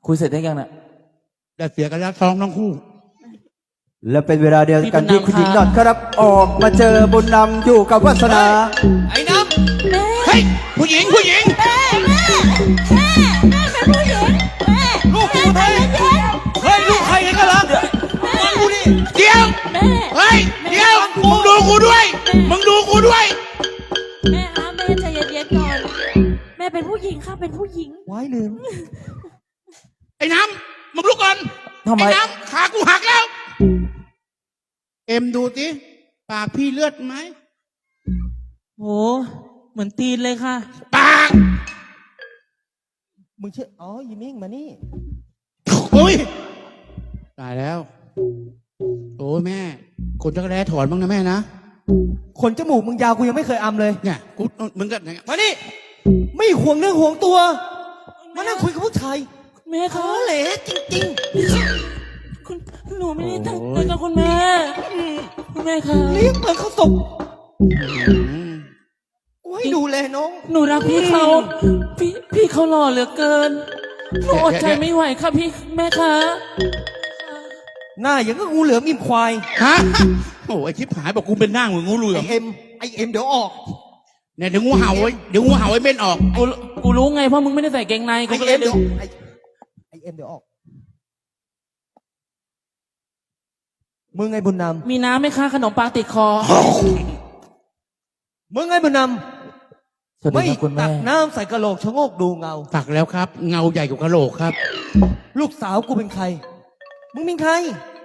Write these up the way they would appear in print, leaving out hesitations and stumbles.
คุยเสร็จได้ยังน่ะได้เสียกันแล้วท้องทั้งคู่และเป็นเวลาเดียวกันที่คุณหญิงหนอดครับออกมาเจอบุญนำอยู่กับวาสนาไอ้น้ำเฮ้ยผู้หญิงแม่เป็นผู้หญิงลูกกูเฮ้ยลูกใครกันล่ะฟังกูดิเดี๋ยวเฮ้ยเดี๋ยวมึงดูกูด้วยแม่ใจเย็นๆก่อนแม่เป็นผู้หญิงค่ะเป็นผู้หญิงไว้ลืมไอ้น้ำมึงลุกก่อนทำไมไอ้น้ำขากูหักแล้วเอ็มดูสิปากพี่เลือดไหมโหเหมือนตีนเลยค่ะปากมึงเชื่ออ๋อยีมิ่งมานี่โอ้ยตายแล้วโอ้แม่คนจักรแร้ถอนบ้างนะแม่นะขนจมูกมึงยาวกูยังไม่เคยอำเลยเนี่ยกูมึงก็มานี่ไม่ห่วงเรื่องห่วงตัวมานั่งคุยกับผู้ชายแม่คะเหล่จริงๆคุณหนูไม่ได้ตั้งใจกับคุณแม่คะเลี้ยงเปิดข้าวสุกกูให้ดูแลน้องหนูรักพี่เขาพี่เขาหล่อเหลือเกินหนูอดใจไม่ไหวค่ะพี่แม่คะหน้าอย่างก็งูเหลือมอิ่มควายฮะโอ้ไอชิบหายบอกกูเป็นหน้าเหมือนงูเหลือมไอเอ็มเดี๋ยวออกเนี่ยเดี๋ยวงูเห่าไว้เม่นออกกูรู้ไงเพราะมึงไม่ได้ใส่เกงในกูก็เลยเดี๋ยวไอเอ็มเดี๋ยวออกมึงไงบุญนำมีน้ำไหมคะขนมปังติดคอมึงไงบุญนำไม่ตักน้ำใส่กระโหลกชะโงกดูเงาตักแล้วครับเงาใหญ่กว่ากระโหลกครับลูกสาวกูเป็นใครมึงเป็นใคร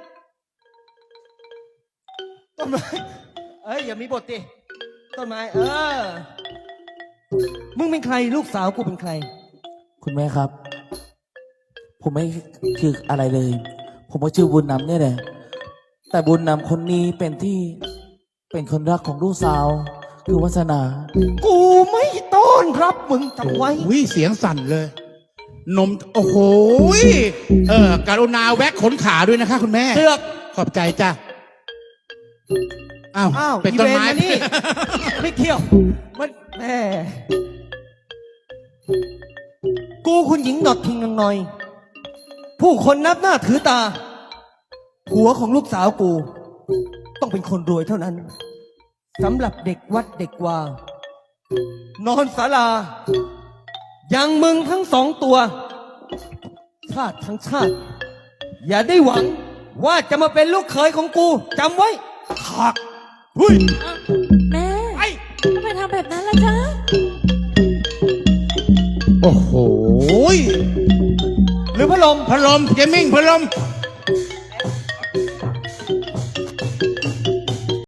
ต้นไม้อย่ามีบทดิต้นไม้มึงเป็นใครลูกสาวกูเป็นใครคุณแม่ครับผมไม่คืออะไรเลยผมก็ชื่อบุญนำเนี่ยแหละแต่บุญนำคนนี้เป็นคนรักของลูกสาวคือวาสนากูไม่ต้อนรับมึงจำไว้วิเสียงสั่นเลยนมโอ้โหกรุณาแวะขนขาด้วยนะคะคุณแม่เสือกขอบใจจ้ะอ้าวเป็นต้นไม้นี่ไม่เที่ยวมันแม่กูคุณหญิงหนอดทิ้งนางน้อยผู้คนนับหน้าถือตาผัวของลูกสาวกูต้องเป็นคนรวยเท่านั้นสำหรับเด็กวัดเด็กวานอนศาลาอย่างมึงทั้งสองตัวชาติทั้งชาติอย่าได้หวังว่าจะมาเป็นลูกเขยของกูจำไว้หักเฮ้ยแม่ทำไมทำแบบนั้นล่ะจ๊ะโอ้โหหรือพัดลมเจมิ่งพัดลม